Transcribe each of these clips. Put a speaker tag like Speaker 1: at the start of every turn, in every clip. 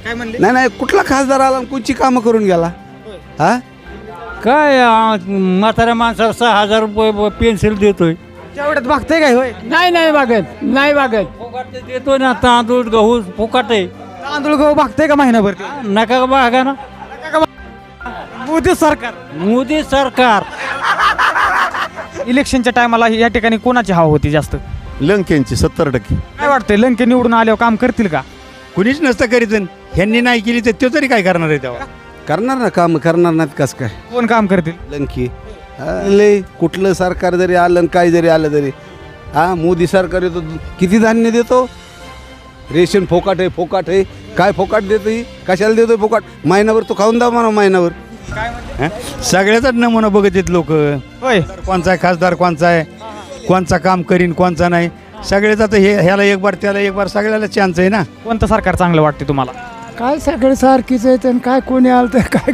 Speaker 1: काय म्हणले?
Speaker 2: नाही नाही, कुठला खासदार आला आणि कोणची कामं करून गेला? हा
Speaker 3: काय म्हाताऱ्या माणसाला 6,000 रुपये पेन्सिल देतोय.
Speaker 1: तेवढ्यात बघताय काय होय?
Speaker 3: नाही बघत फुकाट देतोय ना, तांदूळ गहू फुकाट आहे.
Speaker 1: तांदूळ गहू बघताय का महिनाभर ते?
Speaker 3: नका का बघा ना.
Speaker 1: मोदी सरकार
Speaker 3: मोदी सरकार.
Speaker 1: इलेक्शनच्या टायमाला या ठिकाणी कोणाची हवा होती जास्त?
Speaker 4: लंकेंची 70%.
Speaker 1: काय वाटतंय, लंके निवडून आल्यावर काम करतील का?
Speaker 4: कुणीच नसतं करीत. ह्यांनी नाही केली तर तो तरी काय करणार आहे तेव्हा?
Speaker 2: करणार ना काम, करणार नाहीत कसं काय?
Speaker 1: कोण काम करतील?
Speaker 2: लंकी लय कुठलं सरकार जरी आलं आणि काय जरी आलं तरी मोदी सरकार येतो, किती धान्य देतो? रेशन फोकाट आहे. काय फोकाट देतो? कशाला देतोय फोकाट? महिनाभर तो खाऊन द्या म्हणा, महिनाभर.
Speaker 4: सगळ्याचाच नमुना बघत आहेत लोक.
Speaker 1: होय,
Speaker 4: कोणचा आहे खासदार, कोणचा आहे, कोणचा काम करीन, कोणचा नाही. सगळेच आता ह्याला एक बार त्याला एक बार सगळ्याला चान्स आहे ना.
Speaker 1: कोणतं सरकार चांगलं वाटते तुम्हाला?
Speaker 3: काय सगळे सारखीच आहेत आणि काय कोणी आलं तर काय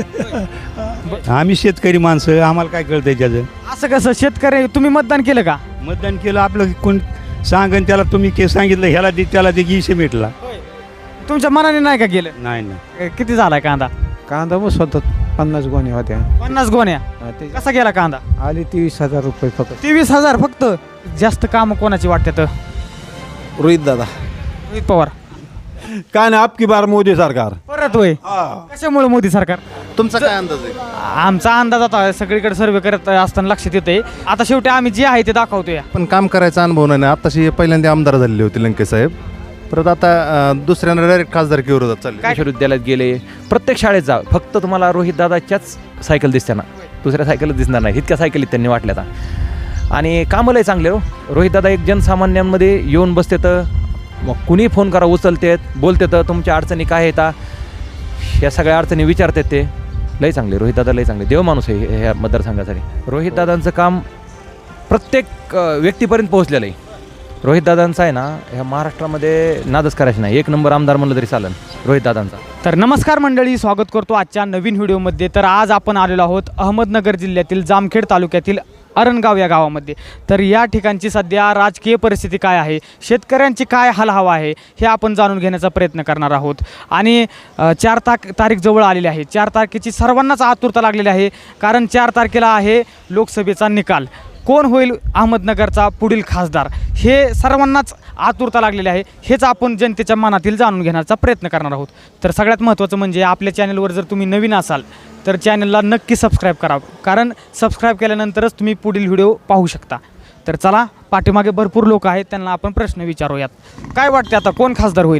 Speaker 3: करत.
Speaker 4: आम्ही शेतकरी माणसं, आम्हाला काय कळतंय त्याचं?
Speaker 1: असं कसं? शेतकरी तुम्ही मतदान केलं का?
Speaker 4: मतदान केलं, आपलं कोण सांगन त्याला तुम्ही सांगितलं ह्याला दे त्याला दे की मिटला.
Speaker 1: तुमच्या मनाने नाही का केलं?
Speaker 4: नाही
Speaker 1: किती झालाय कांदा?
Speaker 5: कांदा मग स्वतः 50 गोणी होत्या.
Speaker 1: 50 गोण्या. कसा गेला कांदा?
Speaker 5: आली 23,000 रुपये फक्त.
Speaker 1: 23,000 फक्त. जास्त काम कोणाची वाटतात?
Speaker 2: रोहित दादा.
Speaker 1: रोहित पवार.
Speaker 6: काय नाही, आपकी बार मोदी सरकार.
Speaker 1: परत होय? कशामुळे मोदी सरकार?
Speaker 2: तुमचा काय अंदाज आहे?
Speaker 1: आमचा अंदाज आता सगळीकडे सर्वे करत असताना लक्षात येते. आता शेवटी आम्ही जे आहे ते दाखवतोय.
Speaker 7: पण काम करायचा अनुभव नाही. आताशी पहिल्यांदा आमदार झालेले होते लंके साहेब, परत आता दुसऱ्यांना डायरेक्ट खासदारकी विरोधात चालले.
Speaker 8: विश्वविद्यालयात गेले, प्रत्येक शाळेत जा, फक्त तुम्हाला रोहित दादाच्याच सायकल दिसते ना, दुसऱ्या सायकलच दिसणार नाही. इतक्या सायकलीत त्यांनी वाटल्या आता. आणि कामलंही चांगले हो. रोहित दादा एक जनसामान्यांमध्ये येऊन बसते, तर मग कुणी फोन करा उचलतेत, बोलते तर तुमच्या अडचणी काय येतात या सगळ्या अडचणी विचारतात. ते लई चांगले रोहित दादा, लई चांगले देव माणूस आहे ह्या मतदारसंघासाठी. रोहित दादांचं काम प्रत्येक व्यक्तीपर्यंत पोहोचलेलं आहे. रोहित दादांचा आहे ना, ह्या महाराष्ट्रामध्ये नादच करायचं नाही. 1 नंबर आमदार म्हणलं तरी चालेल रोहित दादांचा.
Speaker 1: तर नमस्कार मंडळी, स्वागत करतो आजच्या नवीन व्हिडिओमध्ये. तर आज आपण आलेलो आहोत अहमदनगर जिल्ह्यातील जामखेड तालुक्यातील अरणगाव या गावामध्ये. तर या ठिकाणची सध्या राजकीय परिस्थिती काय आहे, शेतकऱ्यांची काय हालहवा आहे, हे आपण जाणून घेण्याचा प्रयत्न करणार आहोत. आणि 4 तारीख जवळ आलेली आहे. 4 तारखेची सर्वांनाच आतुरता लागलेली आहे, कारण 4 तारखेला आहे लोकसभेचा निकाल. कोण होईल अहमदनगरचा पुढील खासदार, हे सर्वांनाच आतुरता लागलेली आहे. हेच आपण जनतेच्या मनातील जाणून घेण्याचा प्रयत्न करणार आहोत. तर सगळ्यात महत्त्वाचं म्हणजे आपल्या चॅनलवर जर तुम्ही नवीन असाल तर चॅनलला नक्की सबस्क्राईब करा, कारण सबस्क्राईब केल्यानंतरच तुम्ही पुढील व्हिडिओ पाहू शकता. तर चला, पाठीमागे भरपूर लोक आहेत, त्यांना आपण प्रश्न विचारूयात. काय वाटते आता कोण खासदार होईल?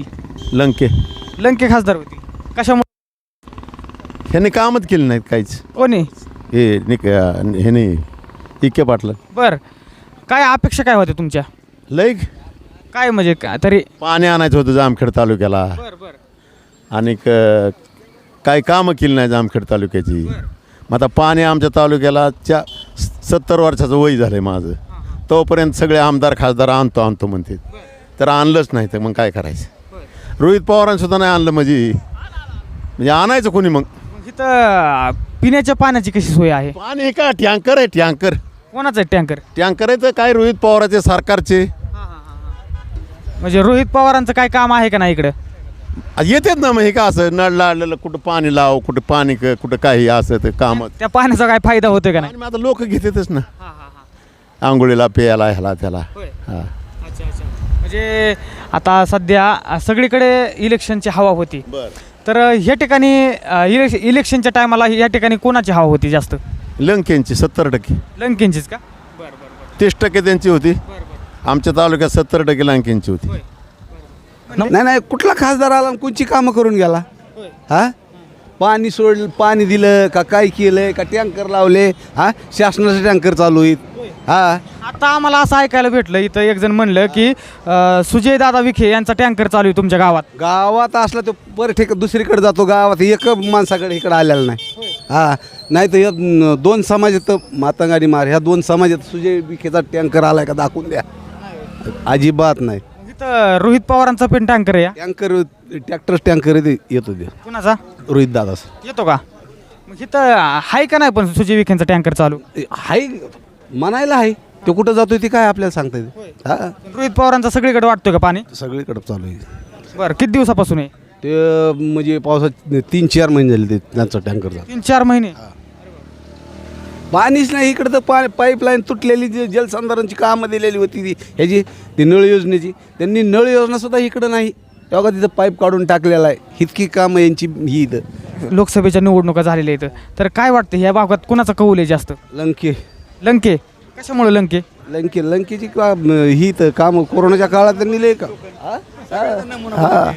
Speaker 1: लंके खासदार होतील. कशामुळे?
Speaker 4: ह्याने कामच केलं नाहीत काहीच.
Speaker 1: कोणी?
Speaker 4: ह्याने इके पाटलं.
Speaker 1: बरं, काय अपेक्षा काय होत्या तुमच्या?
Speaker 4: लय
Speaker 1: काय म्हणजे काय तरी?
Speaker 4: पाणी आणायचं होतं जामखेड तालुक्याला. आणि काय कामं केली नाही जामखेड तालुक्याची. मग आता पाणी आमच्या तालुक्याला 70 वर्षाचं वय झालं आहे माझं. तोपर्यंत सगळे आमदार खासदार आणतो म्हणते, तर आणलंच नाही. तर मग काय करायचं? रोहित पवारांसुद्धा नाही आणलं म्हणजे आणायचं कोणी? मग
Speaker 1: इथं पिण्याच्या पाण्याची कशी सोय आहे?
Speaker 4: पाणी का टँकर आहे? टँकर
Speaker 1: कोणाचं आहे टँकर?
Speaker 4: टँकर आहे तर काय रोहित पवाराचे सरकारचे.
Speaker 1: म्हणजे रोहित पवारांचं काय काम आहे का नाही इकडं?
Speaker 4: येतात ना. मग हे का असं नळ लावलेलं, कुठं पाणी लाव, कुठं पाणी कुठं काही असं ते काम.
Speaker 1: त्या पाण्याचा काय फायदा होतोय का नाही?
Speaker 4: आता लोक घेतातच ना, आंघोळीला प्यायला ह्याला त्याला.
Speaker 1: म्हणजे आता सध्या सगळीकडे इलेक्शनची हवा होती. तर ह्या ठिकाणी इलेक्शनच्या टायमाला या ठिकाणी कोणाची हवा होती जास्त?
Speaker 4: लंकेंची 70%.
Speaker 1: लंकेंचीच का?
Speaker 4: 30% त्यांची होती. आमच्या तालुक्यात 70% लंकेंची होती.
Speaker 2: नाही नाही, कुठला खासदार आला आणि कोणची कामं करून गेला? पाणी पाणी दिलं का? काय केलंय का? टँकर लावले? शासनाचे टँकर चालू आहेत.
Speaker 1: आता आम्हाला असं ऐकायला भेटलं, इथं एक जण म्हणलं की सुजय दादा विखे यांचा टँकर चालू आहे तुमच्या
Speaker 2: गावात असला तो बरं दुसरीकडे जातो. गावात एक माणसाकडे इकडे आलेला नाही. नाही तर 2 समाज आहेत, मातंगाडी मार, ह्या 2 समाजात सुजय विखेचा टँकर आलाय का दाखवून द्या. अजिबात नाही.
Speaker 1: इथं रोहित पवारांचा पण टँकर आहे.
Speaker 2: टँकर टँकर येतो ते.
Speaker 1: कुणाचा?
Speaker 2: रोहित दादाच
Speaker 1: येतो का? मग इथं आहे का नाही पण सुजय विखेंचा टँकर चालू?
Speaker 2: हाय, म्हणायला आहे. तो कुठं जातोय ते काय आपल्याला सांगता येते?
Speaker 1: रोहित पवारांचा सगळीकडे वाटतोय का पाणी?
Speaker 2: सगळीकडे चालू आहे.
Speaker 1: बरं, किती दिवसापासून आहे?
Speaker 2: ते म्हणजे पावसात 3-4 महिने झाले ते त्यांचा टँकरचा
Speaker 1: 3-4 महिने.
Speaker 2: पाणीच नाही इकडं तर पाईपलाईन तुटलेली जी जलसंधारणची कामं दिलेली होती ती ह्याची ती नळ योजनेची त्यांनी नळ योजनासुद्धा इकडं नाही तेव्हा तिथं पाईप काढून टाकलेला आहे. इतकी कामं यांची ही इथं.
Speaker 1: लोकसभेच्या निवडणुका झालेल्या आहेत तर काय वाटतं ह्या भागात कुणाचा कौल आहे जास्त? लंके. कशामुळे लंके?
Speaker 2: लंकेची ही तर कामं कोरोनाच्या काळात त्यांनी लय का हा.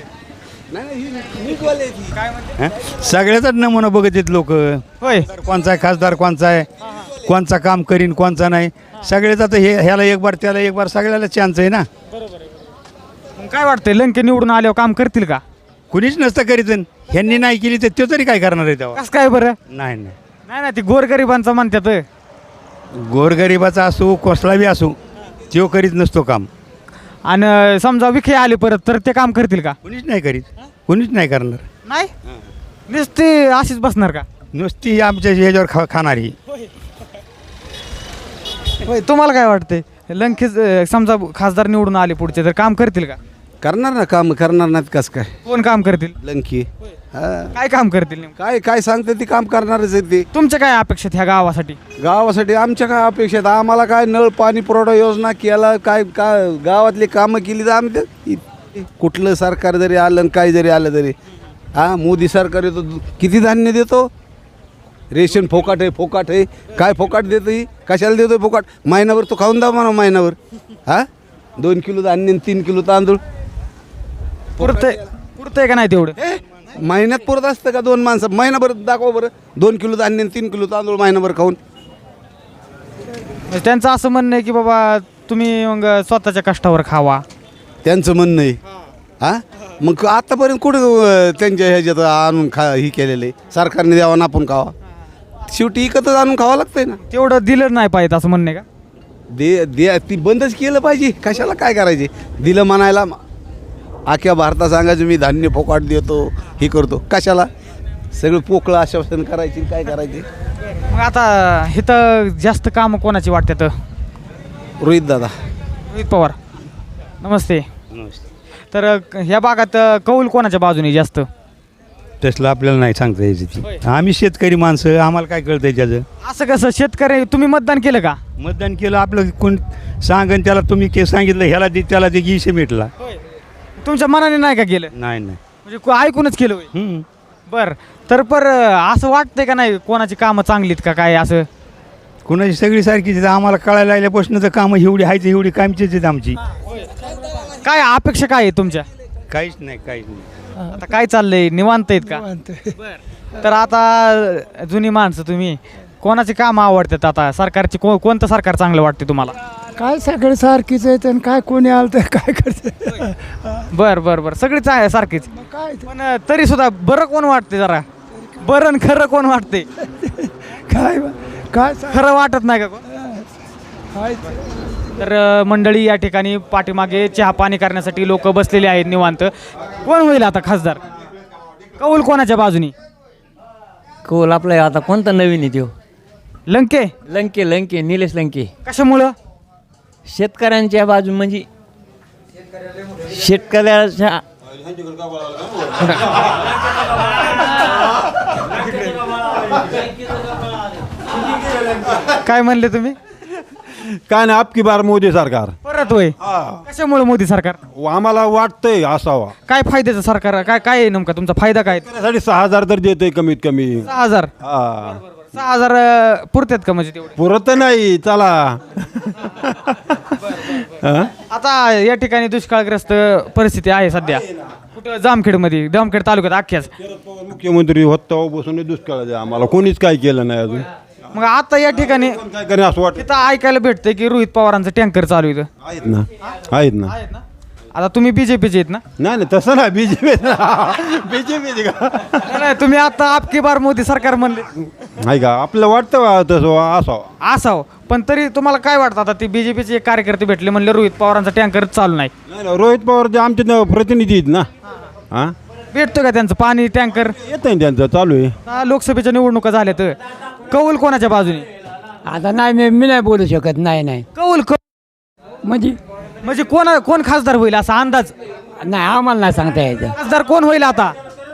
Speaker 9: सगळ्याचाच नमुना बघत आहेत लोक.
Speaker 1: होय.
Speaker 9: कोणचा आहे खासदार, कोणचा आहे, कोणचा काम करीन, कोणचा नाही. सगळेच आता ह्याला एक बार त्याला एक बार सगळ्याला चान्स आहे ना.
Speaker 1: मग काय वाटतंय लंके निवडून आल्यावर काम करतील का?
Speaker 9: कुणीच नसतं करीत. ह्यांनी नाही केली तर तो तरी काय करणार आहे तेव्हा?
Speaker 1: कसं काय बरं?
Speaker 9: नाही
Speaker 1: नाही ती गोरगरिबांचं म्हणतात.
Speaker 9: गोरगरिबाचा असो कसला बी असो तो करीत नसतो काम.
Speaker 1: आणि समजा विखे आले परत तर ते काम करतील का?
Speaker 9: कुणीच नाही करीत, कुणीच नाही करणार.
Speaker 1: नाही नुसती अशीच बसणार का?
Speaker 9: नुसती आमच्या ह्याच्यावर खाणारी.
Speaker 1: होय. तुम्हाला काय वाटतंय लंके समजा खासदार निवडून आले पुढचे तर काम करतील का?
Speaker 2: करणार ना काम करणार नाहीत कसं काय?
Speaker 1: कोण काम करतील?
Speaker 2: लंकी हा.
Speaker 1: काय काम करतील नेमकं?
Speaker 2: काय काय सांगते ती काम करणारच आहे ते.
Speaker 1: तुमच्या काय अपेक्षित ह्या गावासाठी?
Speaker 2: गावासाठी आमच्या काय अपेक्षित आम्हाला काय नळ पाणी पुरवठा योजना केला काय काय गावातली कामं केली तर आम्ही कुठलं सरकार जरी आलं आणि काय जरी आलं तरी मोदी सरकार येतो किती धान्य देतो. रेशन फोकाट आहे काय फोकाट देतो ही कशाला देतोय फोकाट? महिनाभर तो खाऊन दाव म्हणा महिनाभर 2 किलो धान्य 3 किलो तांदूळ
Speaker 1: पुरतंय का नाही तेवढं?
Speaker 2: महिन्यात पुरत असतं का 2 माणसं? महिनाभर दाखवा बरं 2 किलो धान्य 3 किलो तांदूळ महिनाभर खाऊन.
Speaker 1: म्हणजे त्यांचं असं म्हणणं आहे की बाबा तुम्ही मग स्वतःच्या कष्टावर खावा.
Speaker 2: त्यांचं म्हणणं आहे मग आतापर्यंत कुठं त्यांच्या ह्याच्यात आणून ही केलेलं आहे सरकारने द्यावा ना आपण खावा. शेवटी इकतच आणून खावं लागतंय ना.
Speaker 1: तेवढं दिलं नाही पाहिजे असं म्हणणं आहे का?
Speaker 2: दे ती बंदच केलं पाहिजे. कशाला काय करायचे दिलं म्हणायला अख्ख्या भारतात सांगायचं मी धान्य फोकाट देतो हे करतो कशाला? सगळं पोकळं आश्वासन करायची काय करायचे.
Speaker 1: मग आता इथं जास्त कामं कोणाची वाटतात?
Speaker 2: रोहित दादा.
Speaker 1: रोहित पवार. नमस्ते. तर ह्या भागात कौल कोणाच्या बाजूने जास्त?
Speaker 9: तसलं आपल्याला नाही सांगता यायची. आम्ही शेतकरी माणसं, आम्हाला काय कळतंय त्याचं?
Speaker 1: असं कसं? शेतकरी तुम्ही मतदान केलं का?
Speaker 9: मतदान केलं आपलं कोण सांगन त्याला तुम्ही सांगितलं ह्याला दे त्याला दे की मिटला.
Speaker 1: तुमच्या मनाने नाही का केलं?
Speaker 9: नाही
Speaker 1: म्हणजे ऐकूनच केलं होय? बरं. तर असं वाटतंय का नाही कोणाची कामं चांगलीत का काय असं?
Speaker 9: कुणाची सगळी सारखीच. आम्हाला कळायला लागल्यापासून तर कामं एवढी आहेत एवढी कामचीच आहेत आमची.
Speaker 1: काय अपेक्षा काय आहे तुमच्या?
Speaker 9: काहीच नाही.
Speaker 1: आता काय चाललंय? निवांत आहेत का? तर आता जुनी माणसं तुम्ही कोणाची कामं आवडतात आता सरकारची? कोणतं सरकार चांगलं वाटते तुम्हाला?
Speaker 3: काय सगळे सारखीच आहेत आणि काय कोणी आलं तर काय करते.
Speaker 1: बरं सगळीच आहे सारखीच.
Speaker 3: काय
Speaker 1: पण तरी सुद्धा बरं कोण वाटते जरा? बरं खरं कोण वाटते?
Speaker 3: काय काय
Speaker 1: खरं वाटत नाही का कोण?
Speaker 3: काय
Speaker 1: तर मंडळी या ठिकाणी पाठीमागे चहा पाणी करण्यासाठी लोक बसलेले आहेत निवांत. कोण होईल आता खासदार? कौल कोणाच्या बाजूनी?
Speaker 5: कौल आपला आता कोणता नवीन आहे तो?
Speaker 1: लंके.
Speaker 5: लंके निलेश लंके.
Speaker 1: कशामुळं?
Speaker 5: शेतकऱ्यांच्या बाजू म्हणजे शेतकऱ्याच्या
Speaker 1: काय म्हणले तुम्ही?
Speaker 6: काय नाही आपकी बार मोदी सरकार.
Speaker 1: परत होय? कशामुळे मोदी सरकार?
Speaker 6: आम्हाला वाटतंय असावा.
Speaker 1: काय फायद्याचं सरकार? काय काय आहे नेमका तुमचा फायदा काय?
Speaker 6: त्यासाठी 6,000 तर देतोय कमीत कमी.
Speaker 1: 6,000. 6,000 पुरतात का म्हणजे तेवढे?
Speaker 6: पुरत नाही चला.
Speaker 1: आता या ठिकाणी दुष्काळग्रस्त परिस्थिती आहे सध्या कुठं जामखेडमध्ये, जामखेड तालुक्यात अख्ख्याच.
Speaker 6: मुख्यमंत्री होता बसून दुष्काळ आहे आम्हाला कोणीच काय केलं नाही अजून.
Speaker 1: मग आता या ठिकाणी
Speaker 6: काय करेन असं वाटतं.
Speaker 1: तिथं ऐकायला भेटतंय की रोहित पवारांचं टँकर चालू आहे.
Speaker 6: आहेत ना.
Speaker 1: आता तुम्ही बीजेपीचे आहेत ना?
Speaker 6: नाही तसं नाही बीजेपी का
Speaker 1: नाही, तुम्ही आता आपकी बार मोदी सरकार म्हणले.
Speaker 6: नाही का आपलं वाटतं तसं असावं.
Speaker 1: असावं पण तरी तुम्हाला काय वाटतं? आता ते बीजेपीचे एक कार्यकर्ते भेटले म्हणले रोहित पवारांचा टँकर चालू नाही.
Speaker 6: नाही रोहित पवार जे आमचे प्रतिनिधी आहेत ना
Speaker 1: भेटतो का त्यांचं पाणी टँकर?
Speaker 6: येत नाही त्यांचं चालू आहे.
Speaker 1: लोकसभेच्या निवडणुका झाल्या तर कौल कोणाच्या बाजूने?
Speaker 3: आता नाही मी नाही बोलू शकत. नाही
Speaker 1: कौल
Speaker 3: म्हणजे
Speaker 1: म्हणजे कोण खासदार होईल असा अंदाज?
Speaker 3: नाही आम्हाला नाही सांगता यायचं.
Speaker 1: खासदार कोण होईल आता?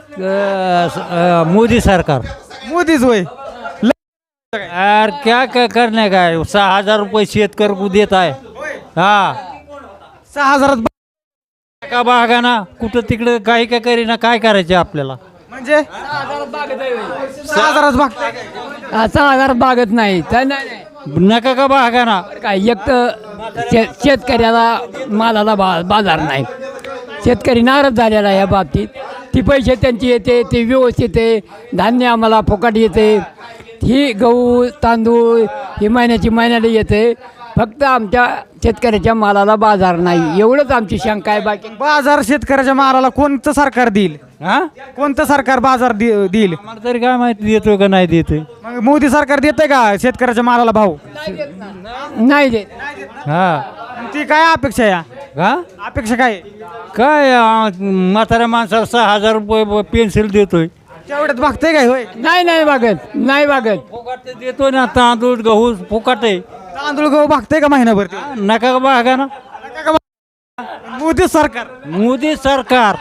Speaker 5: मोदी सरकार.
Speaker 1: मोदीच होय.
Speaker 5: यार क्या करणे काय 6,000 रुपये शेतकरी को देत आहे. हा
Speaker 1: 6,000
Speaker 5: का बागा ना कुठं तिकडं काही काय करीना, काय करायचं आपल्याला.
Speaker 1: म्हणजे 6,000 भागताय काय?
Speaker 3: 6,000 बागत नाही तर नाही
Speaker 5: नका का बागा ना.
Speaker 3: काय एक तर शेतकऱ्याला मालाला बाजार नाही. शेतकरी नाराज झालेला आहे या बाबतीत. ती पैसे त्यांची येते ते व्यवस्थित आहे. धान्य आम्हाला फुकट येते. ही गहू तांदूळ ही महिन्याला येते. फक्त आमच्या शेतकऱ्याच्या मालाला बाजार नाही एवढंच आमची शंका आहे. बाकी
Speaker 1: बाजार शेतकऱ्याच्या मालाला कोणतं सरकार देईल?
Speaker 5: हा
Speaker 1: कोणतं सरकार बाजार देईल?
Speaker 5: मला तरी काय माहिती देतो का नाही देतोय.
Speaker 1: मग मोदी सरकार देतंय का शेतकऱ्याच्या मालाला भाव?
Speaker 3: नाही देत.
Speaker 5: हा
Speaker 1: ती काय अपेक्षा आहे?
Speaker 5: का
Speaker 1: अपेक्षा काय?
Speaker 5: काय म्हाताऱ्या माणसाला 6,000 रुपये पेन्सिल देतोय.
Speaker 1: तेवढ्यात भागतंय काय होय?
Speaker 3: नाही बागत
Speaker 5: फुकट देतोय ना. तांदूळ गहू फुकट आहे.
Speaker 1: तांदूळ गहू भागतंय का महिनाभर ते?
Speaker 5: नका का बागा ना.
Speaker 1: मोदी सरकार.
Speaker 5: मोदी सरकार.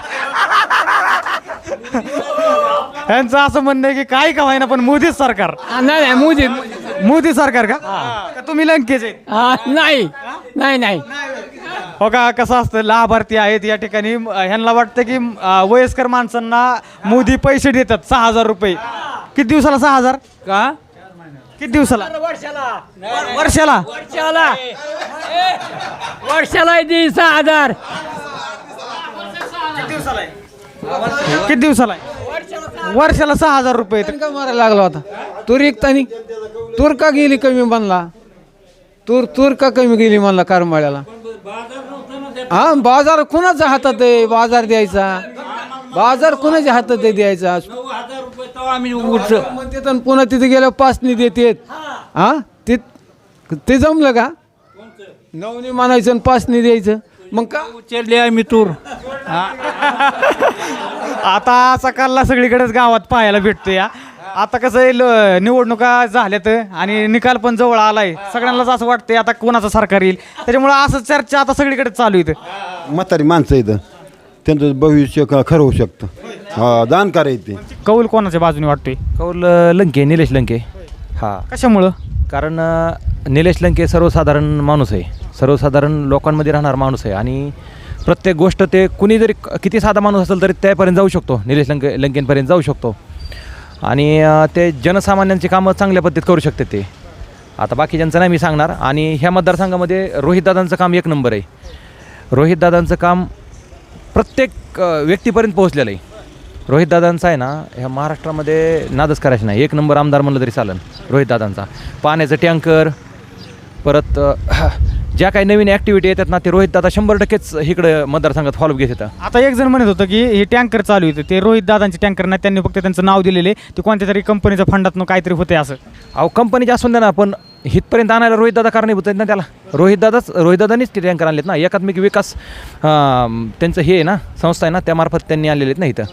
Speaker 1: यांचं असं म्हणणं आहे की काय का व्हायना पण मोदी सरकार.
Speaker 3: नाही
Speaker 1: मोदी सरकार का? का तुम्ही लंकेचे?
Speaker 3: नाही
Speaker 1: हो का? कसं असतं लाभार्थी आहेत या ठिकाणी ह्यांना वाटतं की वयस्कर माणसांना मोदी पैसे देतात 6,000 रुपये. किती दिवसाला 6,000?
Speaker 5: का
Speaker 1: किती दिवसाला? वर्षाला
Speaker 3: दी 6,000.
Speaker 1: किती दिवसाला? वर्षाला 6,000 रुपये.
Speaker 10: का मारायला लागला होता? तूर एकतानी तूर का गेली कमी बनला? तूर का कमी गेली म्हणला करमाळ्याला? हा बाजार कुणाच्या हातात आहे? बाजार द्यायचा बाजार कुणाच्या हातात आहे द्यायचा? म्हणते तर पुन्हा तिथे गेल्यावर पाचनी देतेत. हा ते जमलं का? नवनी म्हणायचं आणि पाचनी द्यायचं. मग का
Speaker 5: उचलले आहे मी तूर.
Speaker 1: आता असा कल्ला सगळीकडेच गावात पाहायला भेटतो या. आता कसं आहे निवडणुका झाल्यात आणि निकाल पण जवळ आलाय. सगळ्यांनाच असं वाटतंय आता कोणाचं सरकार येईल. त्याच्यामुळं असं चर्चा आता सगळीकडे चालू आहे.
Speaker 6: म्हातारी माणसं इथं त्यांचं भविष्य खरं होऊ शकतं. हा दान करायचे.
Speaker 1: कौल कोणाच्या बाजूने वाटतोय?
Speaker 8: कौल लंके, निलेश लंके. हा
Speaker 1: कशामुळं?
Speaker 8: कारण निलेश लंके सर्वसाधारण माणूस आहे. सर्वसाधारण लोकांमध्ये राहणारा माणूस आहे आणि प्रत्येक गोष्ट ते कुणी जरी किती साधा माणूस असेल तरी त्यापर्यंत जाऊ शकतो. निलेश लंकेंपर्यंत जाऊ शकतो आणि ते जनसामान्यांची कामं चांगल्या पद्धतीत करू शकते ते. आता बाकीच्यांचं नाही मी सांगणार. आणि ह्या मतदारसंघामध्ये रोहितदादांचं काम एक नंबर आहे. रोहितदादांचं काम प्रत्येक व्यक्तीपर्यंत पोहोचलेलं आहे. रोहितदादांचा आहे ना ह्या महाराष्ट्रामध्ये नादच करायचं नाही. एक नंबर आमदार म्हणलं तरी चालेल रोहितदादांचा. पाण्याचं टँकर परत ज्या काही नवीन ॲक्टिव्हिटी येतात ना ते रोहितदादा 100%च इकडं मतदारसंघात फॉलोअप घेत येतात.
Speaker 1: आता एक जण म्हणत होतं की हे टँकर चालू येतं ते रोहित दादांचे टँकर नाही. त्यांनी फक्त त्यांचं नाव दिलेले ते कोणत्या तरी कंपनीच्या फंडातून काहीतरी होते असं.
Speaker 8: अहो कंपनीचे असून द्या ना पण इथपर्यंत आणायला रोहितदादा कारणीभूत आहेत ना त्याला. रोहितदादानीच ते टँकर आणलेत ना. एकात्मिक विकास त्यांचं हे आहे ना संस्था आहे ना त्यामार्फत त्यांनी आणलेले आहेत ना इथं.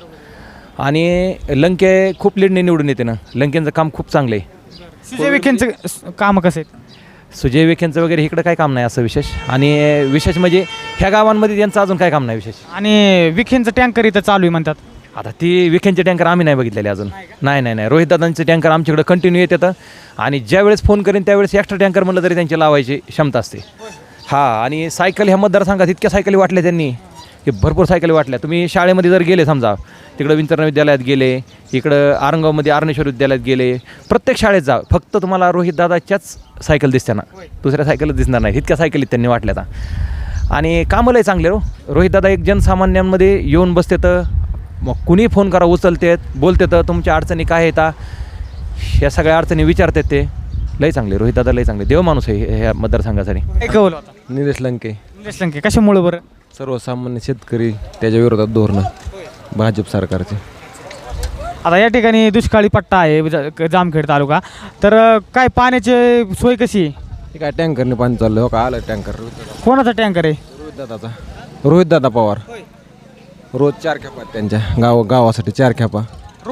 Speaker 8: आणि लंके खूप लीडने निवडून येते ना. लंकेंचं काम खूप चांगलं आहे.
Speaker 1: सुजय विखेंचं कामं कसं आहेत?
Speaker 8: सुजय विखेंचं वगैरे इकडं काय काम नाही असं विशेष. आणि विशेष म्हणजे ह्या गावांमध्ये त्यांचं अजून काय काम नाही विशेष.
Speaker 1: आणि विखेंचं टँकर इथं चालू आहे म्हणतात.
Speaker 8: आता ती विखेंचे टँकर आम्ही नाही बघितलेले अजून. नाही रोहितदादांचे टँकर आमच्याकडे कंटिन्यू येतात आणि ज्यावेळेस फोन करेन त्यावेळेस एक्स्ट्रा टँकर म्हणलं तरी त्यांची लावायची क्षमता असते. हां आणि सायकल ह्या मतदारसंघात इतक्या सायकली वाटल्या त्यांनी की भरपूर सायकली वाटल्या. तुम्ही शाळेमध्ये जर गेले समजा तिकडं विंचरणा विद्यालयात गेले, इकडं आरंगावमध्ये आरणेश्वर विद्यालयात गेले, प्रत्येक शाळेत जा फक्त तुम्हाला रोहितदादाच्याच सायकल दिसते ना. दुसऱ्या सायकलच दिसणार नाही. इतक्या सायकली त्यांनी वाटल्या आता. आणि कामलंही चांगले रोहितदादा एक जनसामान्यांमध्ये येऊन बसते तर मग कुणी फोन करा उचलतेत बोलते तर तुमच्या अडचणी काय येतात ह्या सगळ्या अडचणी विचारतात ते. लई चांगले रोहितदादा लई चांगले देव माणूस आहे ह्या मतदारसंघासाठी.
Speaker 1: काय कौल होता?
Speaker 11: निलेश लंके.
Speaker 1: निलेश लंके कशामुळं बरं?
Speaker 11: सर्वसामान्य शेतकरी त्याच्या विरोधात धोरणं भाजप सरकारचे.
Speaker 1: आता या ठिकाणी दुष्काळी पट्टा आहे जामखेड तालुका. तर काय पाण्याची सोय कशी आहे?
Speaker 11: हे काय टँकरने पाणी चाललं हो का? आलं टँकर.
Speaker 1: कोणाचा टँकर आहे?
Speaker 11: रोहितदादा पवार. रोज 4 खेपा त्यांच्या गावासाठी 4 खेपा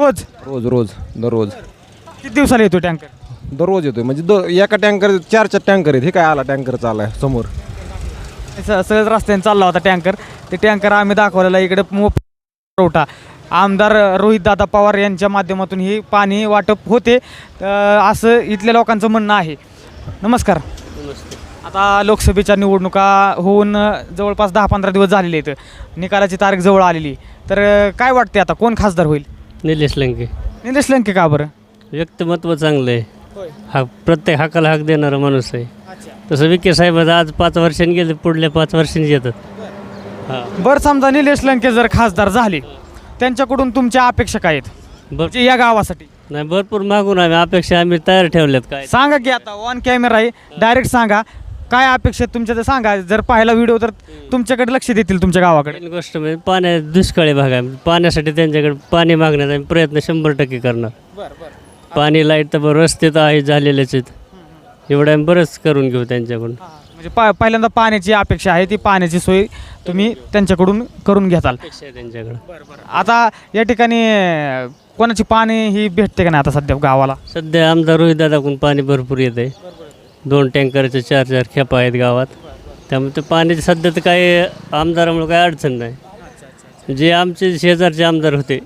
Speaker 1: रोज
Speaker 11: दररोज.
Speaker 1: किती दिवसाला येतो टँकर?
Speaker 11: दररोज येतोय म्हणजे एका टँकर 4 टँकर आहेत. हे काय आला टँकर चाललाय समोर.
Speaker 1: सहज रस्त्याने चालला होता टँकर. ते टँकर आम्ही दाखवलेला इकडे मोफत पुरवठा आमदार रोहितदादा पवार यांच्या माध्यमातून ही पाणी वाटप होते असं इथल्या लोकांचं म्हणणं आहे. नमस्कार. आता लोकसभेच्या निवडणुका होऊन जवळपास 10-15 दिवस झालेले आहेत. निकालाची तारीख जवळ आलेली. तर काय वाटते आता कोण खासदार होईल?
Speaker 12: निलेश लंके.
Speaker 1: निलेश लंके का बरं?
Speaker 12: व्यक्तिमत्व चांगलं आहे. हा प्रत्येक हाकाला हाक देणारा माणूस आहे. तसं विखे साहेब आज 5 वर्षांनी गेले, पुढल्या 5 वर्षांनी येतात. हां
Speaker 1: बरं, समजा निलेश लंके जर खासदार झाले, त्यांच्याकडून तुमच्या अपेक्षा काय आहेत म्हणजे या गावासाठी?
Speaker 12: नाही, भरपूर मागून आम्ही तयार ठेवल्यात. काय
Speaker 1: सांगा की आता ऑन कॅमेरा आहे, डायरेक्ट सांगा काय अपेक्षा आहेत तुमच्या. ते सांगा, जर पाहिला व्हिडिओ तर तुमच्याकडे लक्ष देतील तुमच्या गावाकडे.
Speaker 12: पहिली गोष्ट म्हणजे दुष्काळी भाग आहे. पाण्यासाठी त्यांच्याकडे पाणी मागण्याचा आम्ही प्रयत्न 100% करणार. पाणी, लाईट तर रस्ते तर आहे झालेलेच आहेत. एवढं आम्ही बरंच करून घेऊ त्यांच्याकडून.
Speaker 1: म्हणजे पहिल्यांदा पाण्याची अपेक्षा आहे, ती पाण्याची सोय तुम्ही त्यांच्याकडून करून घेताल
Speaker 12: त्यांच्याकडे.
Speaker 1: आता या ठिकाणी कोणाची पाणी ही भेटते का नाही आता सध्या गावाला?
Speaker 12: सध्या आमदार रोहितदादाकडून पाणी भरपूर येत आहे. 2 टँकरचे 4-4 खेपा आहेत गावात. त्यामुळे ते पाण्याची सध्या तर काही आमदारामुळे काही अडचण नाही. जे आमचे शेजारचे आमदार होते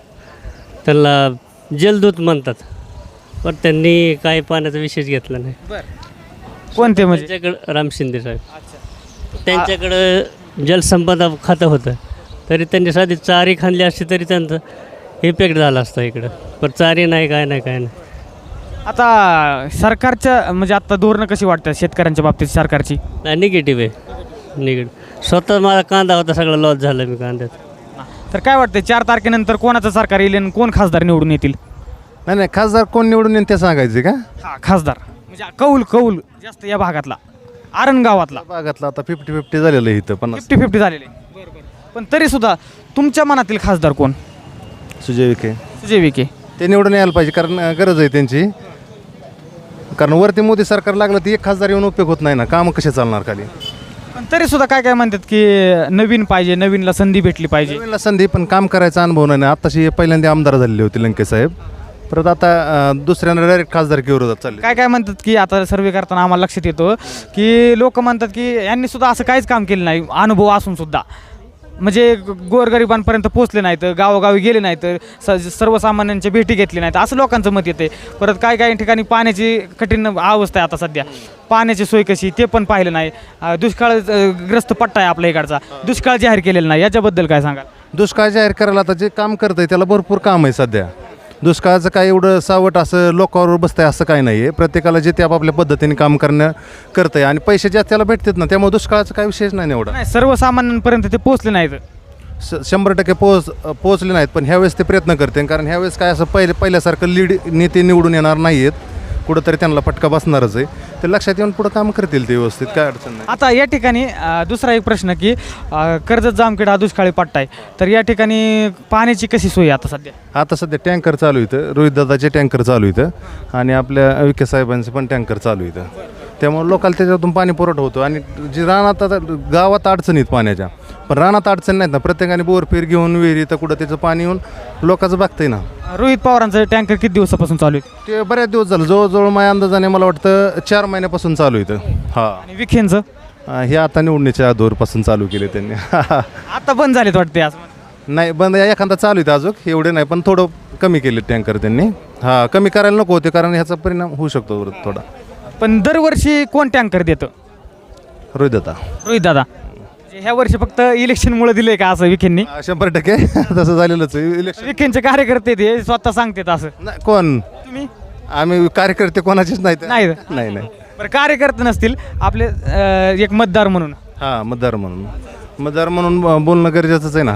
Speaker 12: त्यांना जलदूत म्हणतात, पण त्यांनी काही पाण्याचा विशेष घेतला नाही.
Speaker 1: कोणते म्हणजे?
Speaker 12: त्यांच्याकडं राम शिंदे साहेब, त्यांच्याकडं जलसंपदा खातं होतं, तरी त्यांनी साधी चारी खांदली असती तरी त्यांचं इफेक्ट झाला असता इकडं. पण चारी नाही, काय नाही.
Speaker 1: आता सरकारच्या म्हणजे आता धोरणं कशी वाटतात शेतकऱ्यांच्या बाबतीत सरकारची?
Speaker 12: नाही, निगेटिव्ह आहे. निगेटिव्ह. स्वतः मला कांदा होता, सगळं लॉस झालं मी कांद्यात.
Speaker 1: तर काय वाटतं 4 तारखेनंतर कोणाचं सरकार येईल आणि कोण खासदार निवडून येतील?
Speaker 7: नाही, खासदार कोण निवडून येईल ते सांगायचे का?
Speaker 1: हा, खासदार म्हणजे कौल जास्त या भागातला, आरण गावातला
Speaker 7: भागातला आता 50-50 झालेलं आहे इथं.
Speaker 1: 50-50 झालेले. पण तरी सुद्धा तुमच्या मनातील खासदार कोण?
Speaker 7: सुजय विखे.
Speaker 1: सुजय विखे
Speaker 7: ते निवडून यायला पाहिजे, कारण गरज आहे त्यांची. कारण वरती मोदी सरकार लागलं तर एक खासदार येऊन उपयोग होत नाही ना, कामं कसे चालणार खाली.
Speaker 1: पण तरी सुद्धा काय म्हणतात की नवीन पाहिजे, नवीनला संधी भेटली पाहिजे.
Speaker 7: नवीनला संधी, पण काम करायचा अनुभव नाही. आत्ताशी पहिल्यांदा आमदार झालेले होते लंके साहेब, परत आता दुसऱ्यांना डायरेक्ट खासदारकी चालले.
Speaker 1: काय म्हणतात की आता सर्वे करताना आम्हाला लक्षात येतो की लोक म्हणतात की यांनी सुद्धा असं काहीच काम केलं नाही, अनुभव असून सुद्धा. म्हणजे गोरगरिबांपर्यंत पोचले नाहीत, गावोगावी गेले नाहीत, सर्वसामान्यांच्या भेटी घेतली नाहीत, असं लोकांचं मत येते. परत काही ठिकाणी पाण्याची कठीण अवस्था आहे आता सध्या. पाण्याची सोय कशी ते पण पाहिलं नाही. दुष्काळग्रस्त पट्टा आहे आपल्या इकडचा, दुष्काळ जाहीर केलेला नाही. याच्याबद्दल काय सांगाल?
Speaker 7: दुष्काळ जाहीर करायला आता जे काम करत आहे त्याला भरपूर काम आहे सध्या. दुष्काळाचं काय एवढं सावट असं लोकांवर बसतं आहे असं काही नाही आहे. प्रत्येकाला जे ते आपापल्या पद्धतीने काम करतं आहे आणि पैसे जास्त त्याला भेटतात ना, त्यामुळे दुष्काळाचा काही विशेष नाही एवढा.
Speaker 1: नाही, सर्वसामान्यांपर्यंत ते पोचले नाहीत.
Speaker 7: 100% पोहोचले नाहीत. पण ह्यावेळेस ते प्रयत्न करते, कारण ह्यावेळेस काय असं पहिल्यासारखं लीड नेते निवडून येणार नाही आहेत. कुठंतरी त्यांना फटका बसणारच आहे. ते लक्षात येऊन पुढं काम करतील ते व्यवस्थित, काय अडचण नाही.
Speaker 1: आता या ठिकाणी दुसरा एक प्रश्न की कर्जत जामखेड हा दुष्काळी पट्टा आहे, तर या ठिकाणी पाण्याची कशी सोय आता सध्या?
Speaker 7: आता सध्या टँकर चालू इथं, रोहितदादाचे टँकर चालू इथं आणि आपल्या विखे साहेबांचे पण टँकर चालू इथं. त्यामुळे लोकांना त्याच्यातून पाणी पुरवठा होतो. आणि जी रानात आता गावात अडचणीत पाण्याच्या, पण रानात अडचण नाहीत ना. प्रत्येकाने बोरफेर घेऊन विहिरी तर कुठं त्याचं पाणी येऊन लोकांचं बघतंय ना.
Speaker 1: रोहित पवारांचं टँकर किती दिवसापासून चालू आहे?
Speaker 7: ते बऱ्याच दिवस झालं, जवळजवळ माझ्या अंदाजाने मला वाटतं 4 महिन्यापासून चालू इथं. हां,
Speaker 1: आणि विखेंचं
Speaker 7: हे आता निवडणुकीच्या अगोदरपासून चालू केले त्यांनी.
Speaker 1: आता बंद झालेत वाटते आज?
Speaker 7: नाही, बंद एखादा चालू आहे अजून, एवढे नाही, पण थोडं कमी केले टँकर त्यांनी. हां, कमी करायला नको होते, कारण ह्याचा परिणाम होऊ शकतो थोडा.
Speaker 1: पण दरवर्षी कोण टँकर देतं? रोहितदादा. ह्या वर्षी फक्त इलेक्शनमुळे दिले का असं विखेंनी?
Speaker 7: 100% तसं झालेलंच इलेक्शन.
Speaker 1: विखेंचे कार्यकर्ते ते स्वतः सांगतात असं?
Speaker 7: नाही, कोण
Speaker 1: तुम्ही?
Speaker 7: आम्ही कार्यकर्ते कोणाचेच नाहीत. नाही.
Speaker 1: बरं, कार्यकर्ते नसतील आपले एक मतदार म्हणून.
Speaker 7: हां, मतदार म्हणून बोलणं गरजेचंच आहे ना.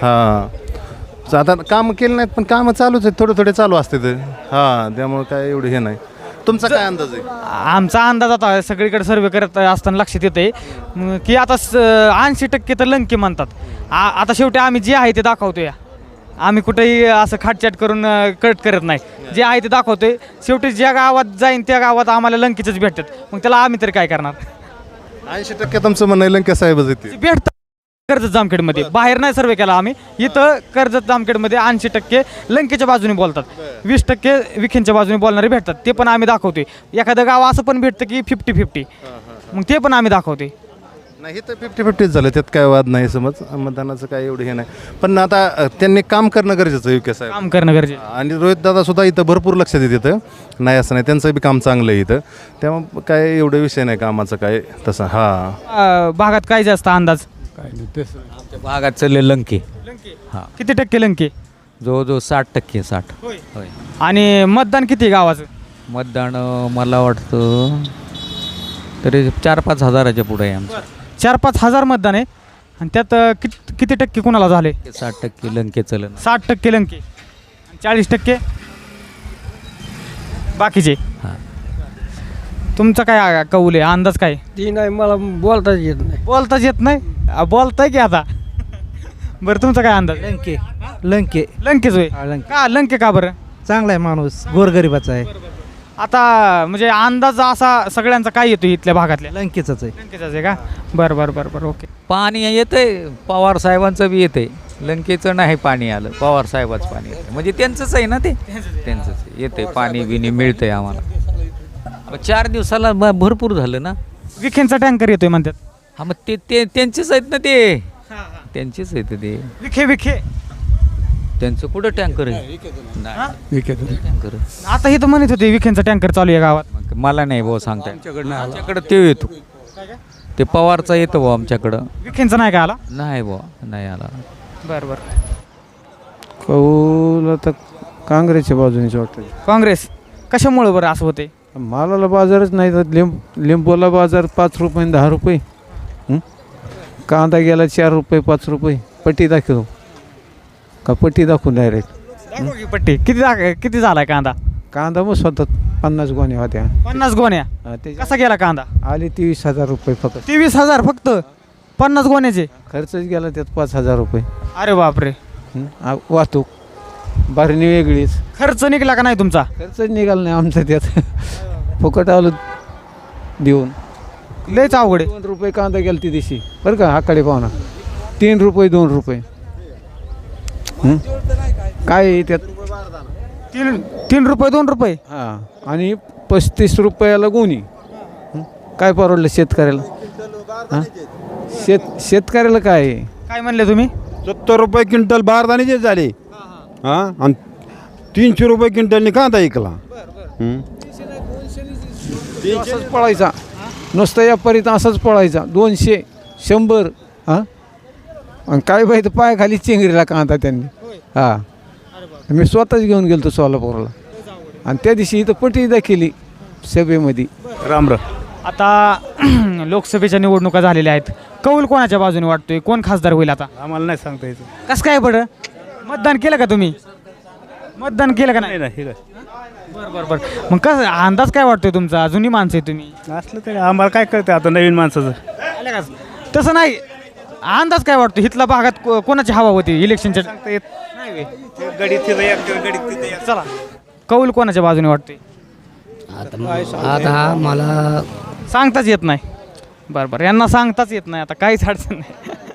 Speaker 7: हां, आता कामं केली नाहीत, पण कामं चालूच आहेत, थोडे चालू असते ते. हां, त्यामुळे काय एवढं हे नाही. तुमचा काय अंदाज आहे?
Speaker 1: आमचा अंदाज आता सगळीकडे सर्वे करत असताना लक्षात येते की आता 80% तर लंके म्हणतात. आता शेवटी आम्ही जे आहे ते दाखवतोय. आम्ही कुठेही असं खाटचाट करून कट करत नाही. जे आहे ते दाखवतोय. शेवटी ज्या गावात जाईन त्या गावात आम्हाला लंकेचंच भेटतात. मग त्याला आम्ही तरी काय करणार?
Speaker 7: 80% तुमचं म्हणणं लंके साहेबच येते
Speaker 1: भेटतात कर्जत जामखेडमध्ये. बाहेर नाही सर्वे केला आम्ही. इथं कर्जत जामखेडमध्ये 80% लंकेच्या बाजूने बोलतात, 20% विखेंच्या बाजूने बोलणारे भेटतात. ते पण आम्ही दाखवतोय. एखादं गाव असं पण भेटतं की 50-50, मग ते पण आम्ही दाखवतोय.
Speaker 7: नाही तर 50-50 झालं, त्यात काय वाद नाही समज, मतदानाचं काय एवढं हे नाही. पण आता त्यांनी काम करणं गरजेचं आहे विकास साहेब,
Speaker 1: काम करणं गरजेचं.
Speaker 7: आणि रोहित दादा सुद्धा इथं भरपूर लक्ष देत येतं, नाही असं नाही, त्यांचं बी काम चांगलं आहे इथं, त्यामुळे काय एवढं विषय नाही कामाचं काय तसं. हां,
Speaker 1: भागात काय जास्त अंदाज?
Speaker 5: आमच्या भागात चालले लंके. हां,
Speaker 1: किती टक्के लंके?
Speaker 5: जवळजवळ 60%. 60 होय.
Speaker 1: आणि मतदान किती गावाचं?
Speaker 5: मतदान मला वाटतं तरी 4-5 हजाराच्या पुढे आहे आमचं.
Speaker 1: 4-5 हजार मतदान आहे, आणि त्यात किती टक्के कोणाला झाले?
Speaker 5: 60% लंके चलन.
Speaker 1: 60% लंके, 40% बाकीचे.
Speaker 5: हां,
Speaker 1: तुमचा काय कौल आहे, अंदाज काय?
Speaker 3: ती नाही, मला बोलताच येत नाही.
Speaker 1: बोलताच येत नाही? बोलताय की आता. बरं, तुमचा काय अंदाज?
Speaker 10: लंके लंके
Speaker 1: लंकेच होय. का लंके, का बरं?
Speaker 10: चांगला आहे माणूस, गोरगरिबाचा आहे.
Speaker 1: आता म्हणजे अंदाज असा सगळ्यांचा काय येतो इथल्या भागातल्या?
Speaker 10: लंकेचाच आहे.
Speaker 1: लंकेचाच आहे का? बरं बरं बरं बरं, ओके.
Speaker 5: पाणी येतंय, पवार साहेबांचं बी येतंय, लंकेचं नाही पाणी आलं, पवार साहेबाचं पाणी येतं, म्हणजे त्यांचंच आहे ना, ते त्यांचंच येतंय, पाणी बिणी मिळतंय आम्हाला. 4 दिवसाला भरपूर झालं ना.
Speaker 1: विखेंचा टँकर येतोय म्हणतात.
Speaker 5: हां, मग ते त्यांचेच आहेत ना, ते त्यांचेच आहेत ते.
Speaker 1: विखे
Speaker 5: त्यांचं कुठं टँकर आहे? नाही, टँकर
Speaker 1: आता हे तर म्हणत होते विखेंचा टँकर चालू आहे गावात.
Speaker 5: मला नाही भाऊ सांगता, आमच्याकडं ते येतो, ते पवारचा येतो भाऊ आमच्याकडं.
Speaker 1: विखेंचा नाही का आला?
Speaker 5: नाही भाऊ, नाही आला.
Speaker 1: बरं बरं.
Speaker 10: कौल आता काँग्रेसच्या बाजूनेच वाटतं.
Speaker 1: काँग्रेस कशामुळे बरं असं होते?
Speaker 10: मालाला बाजारच नाही तर लिंबूला बाजार 5 रुपये आणि 10 रुपये. कांदा गेला 4 रुपये 5 रुपये. पट्टी दाखव का, पट्टी दाखवून डायरेक्ट
Speaker 1: पट्टी किती झालाय कांदा?
Speaker 10: कांदा मग स्वतः 50 गोण्या होत्या.
Speaker 1: 50 गोण्या? कसा गेला कांदा?
Speaker 10: आले 23,000 रुपये फक्त.
Speaker 1: 23,000 फक्त 50 गोण्याचे?
Speaker 10: खर्चच गेला त्यात 5,000 रुपये.
Speaker 1: अरे बापरे.
Speaker 10: वाहतूक भरणी वेगळीच.
Speaker 1: खर्च निघाला का नाही तुमचा?
Speaker 10: खर्चच निघाला नाही आमचा त्यात. फुकट आलो देऊन.
Speaker 1: लयच अवघड आहे.
Speaker 10: 2 रुपये कांदा गेला ती दिवशी बरं का, आकडे पाहुणा. 3 रुपये 2 रुपये. काय आहे त्यात?
Speaker 1: 3 रुपये 2 रुपये.
Speaker 10: हां, आणि 35 रुपयाला गोणी. काय परवडलं शेतकऱ्याला? हां, शेतकऱ्याला काय आहे?
Speaker 1: काय म्हणले तुम्ही?
Speaker 6: 70 रुपये क्विंटल बारदाण्याचे झाले. हां, आणि 300 रुपये क्विंटलने कांदा ऐकला.
Speaker 10: असंच पळायचा नुसतं, या परीत असंच पळायचा. 200 100. हां, आणि काय पाहिजे पायाखाली चिंगरीला कांदा त्यांनी. हां, मी स्वतःच घेऊन गेलो सोलापूरला, आणि त्या दिवशी इथं पट्टी दाखिली सभेमध्ये.
Speaker 7: राम.
Speaker 1: आता लोकसभेच्या निवडणुका झालेल्या आहेत, कौल कोणाच्या बाजूने वाटतोय? कोण खासदार होईल आता?
Speaker 7: आम्हाला नाही सांगता येतं.
Speaker 1: कसं काय बरं? मतदान केलं का तुम्ही? मतदान केलं का नाही? बरं बरं बरं. मग कसं अंदाज काय वाटतोय तुमचा? जुनी माणसं आहे तुम्ही.
Speaker 7: असलं तरी आम्हाला काय कळतं आता नवीन माणसाचं.
Speaker 1: आलं का? तसं नाही, अंदाज काय वाटतो इथल्या भागात कोणाची हवा होती इलेक्शनच्या? चला, कौल कोणाच्या बाजूने वाटतोय?
Speaker 3: आता मला
Speaker 1: सांगताच येत नाही. बरं बरं, यांना सांगताच येत नाही, आता काहीच अडचण नाही.